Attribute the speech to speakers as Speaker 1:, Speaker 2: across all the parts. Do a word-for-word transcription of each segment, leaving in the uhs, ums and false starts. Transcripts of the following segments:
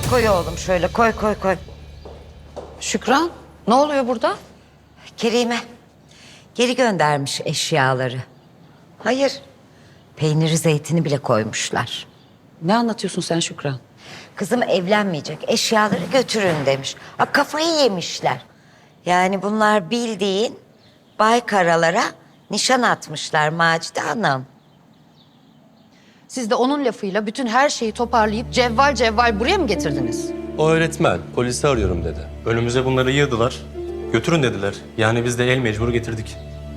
Speaker 1: koy oğlum şöyle koy koy koy.
Speaker 2: Şükran, ne oluyor burada?
Speaker 1: Kerime geri göndermiş eşyaları. Hayır, peyniri zeytini bile koymuşlar.
Speaker 2: Ne anlatıyorsun sen Şükran?
Speaker 1: Kızım evlenmeyecek, eşyaları götürün demiş. Ha, kafayı yemişler. Yani bunlar bildiğin Baykaralara nişan atmışlar Macide Hanım.
Speaker 2: Siz de onun lafıyla bütün her şeyi toparlayıp cevval cevval buraya mı getirdiniz?
Speaker 3: O öğretmen polisi arıyorum dedi. Önümüze bunları yığdılar. Götürün dediler. Yani biz de el mecbur getirdik.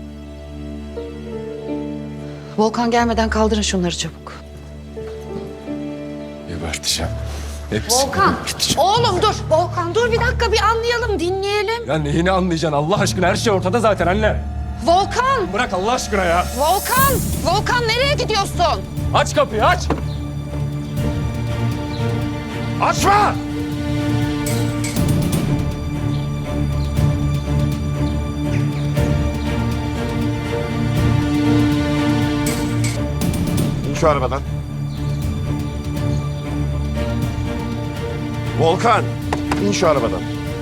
Speaker 2: Volkan gelmeden kaldırın şunları çabuk.
Speaker 4: Geberteceğim. Hepsini
Speaker 2: Volkan,
Speaker 4: geberteceğim.
Speaker 2: oğlum dur. Volkan dur bir dakika bir anlayalım, dinleyelim.
Speaker 4: Ya neyini anlayacaksın Allah aşkına? Her şey ortada zaten anne.
Speaker 2: Volkan,
Speaker 4: Bırak Allah aşkına ya.
Speaker 2: Volkan, Volkan nereye gidiyorsun?
Speaker 4: Aç kapıyı aç. Açma!
Speaker 5: İn şu arabadan. Volkan, in şu arabadan.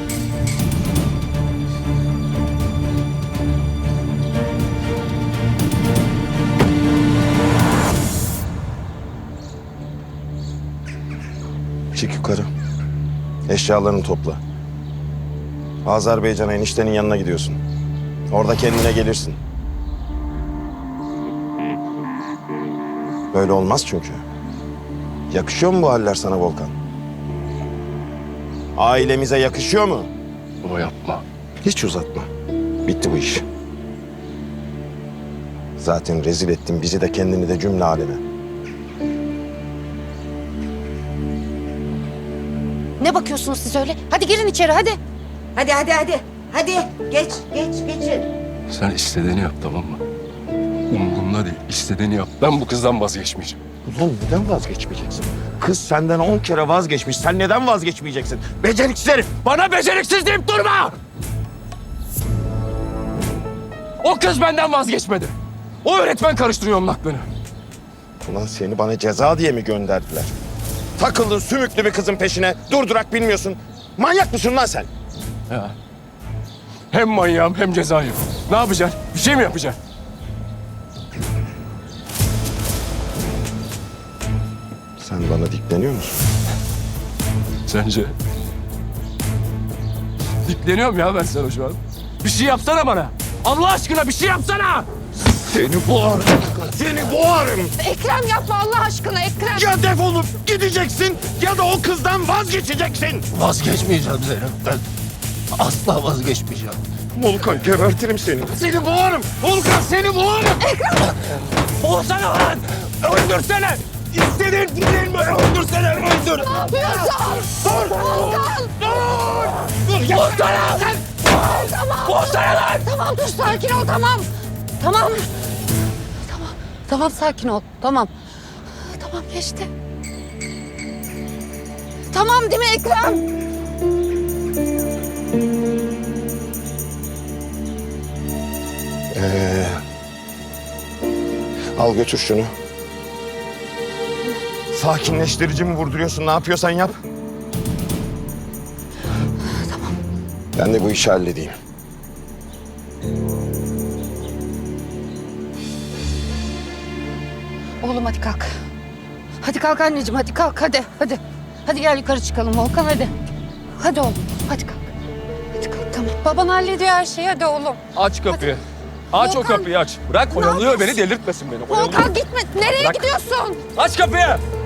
Speaker 5: Çık yukarı. Eşyalarını topla. Azerbaycan'a eniştenin yanına gidiyorsun. Orada kendine gelirsin. Böyle olmaz çünkü. Yakışıyor mu bu haller sana Volkan? Ailemize yakışıyor mu?
Speaker 4: Baba yapma.
Speaker 5: Hiç uzatma. Bitti bu iş. Zaten rezil ettin bizi de kendini de cümle aleme.
Speaker 2: Ne bakıyorsunuz siz öyle? Hadi girin içeri hadi.
Speaker 1: Hadi hadi hadi. Hadi geç geç geçin.
Speaker 4: Sen istediğini yap tamam mı? Umurumda değil. İstediğini yap. Ben bu kızdan vazgeçmeyeceğim.
Speaker 5: Ulan neden vazgeçmeyeceksin? Kız senden on kere vazgeçmiş. Sen neden vazgeçmeyeceksin? Beceriksiz herif!
Speaker 4: Bana beceriksiz deyip durma! O kız benden vazgeçmedi. O öğretmen karıştırıyor onun aklını.
Speaker 5: Ulan seni bana ceza diye mi gönderdiler? Takıldın sümüklü bir kızın peşine. Durdurak bilmiyorsun. Manyak mısın lan sen?
Speaker 4: Ya. Hem manyağım hem cezayım. Ne yapacaksın? Bir şey mi yapacaksın?
Speaker 5: Sen bana dikleniyor musun?
Speaker 4: Sence? Dikleniyorum ya ben sana şu an. Bir şey yapsana bana. Allah aşkına bir şey yapsana.
Speaker 5: Seni boğarım. Seni boğarım.
Speaker 2: Ekrem yapma Allah aşkına Ekrem.
Speaker 5: Ya defolup gideceksin ya da o kızdan vazgeçeceksin.
Speaker 6: Vazgeçmeyeceğim Zeynep'ten. Asla vazgeçmeyeceğim.
Speaker 5: Volkan gebertirim seni. Seni boğarım. Volkan seni boğarım.
Speaker 4: Olsana lan. Öldürsene. İstediğin değil mi? Öldürsene. Öldür.
Speaker 2: Ne yapıyorsun?
Speaker 4: Dur.
Speaker 2: Volkan.
Speaker 4: Dur. Dur. Yapsana.
Speaker 2: Tamam.
Speaker 4: Olsana lan.
Speaker 2: Tamam dur sakin ol tamam. Tamam. Tamam. Tamam sakin ol. Tamam. Tamam geçti. Tamam değil mi Ekrem?
Speaker 5: Ee, al götür şunu. Sakinleştirici mi vurduruyorsun? Ne yapıyorsan yap.
Speaker 2: Tamam.
Speaker 5: Ben de bu işi halledeyim.
Speaker 2: Oğlum hadi kalk. Hadi kalk anneciğim hadi kalk hadi hadi. Hadi gel yukarı çıkalım Volkan hadi. Hadi oğlum hadi kalk. Hadi kalk tamam. Baban hallediyor her şeyi hadi oğlum.
Speaker 4: Aç kapıyı. Aç o
Speaker 2: Volkan.
Speaker 4: kapıyı aç. Bırak
Speaker 2: Ne
Speaker 4: oyalıyor beni
Speaker 2: yapıyorsun?
Speaker 4: delirtmesin beni. Oyalıyor.
Speaker 2: Volkan gitme. Nereye
Speaker 4: Bırak.
Speaker 2: gidiyorsun?
Speaker 4: Aç kapıyı.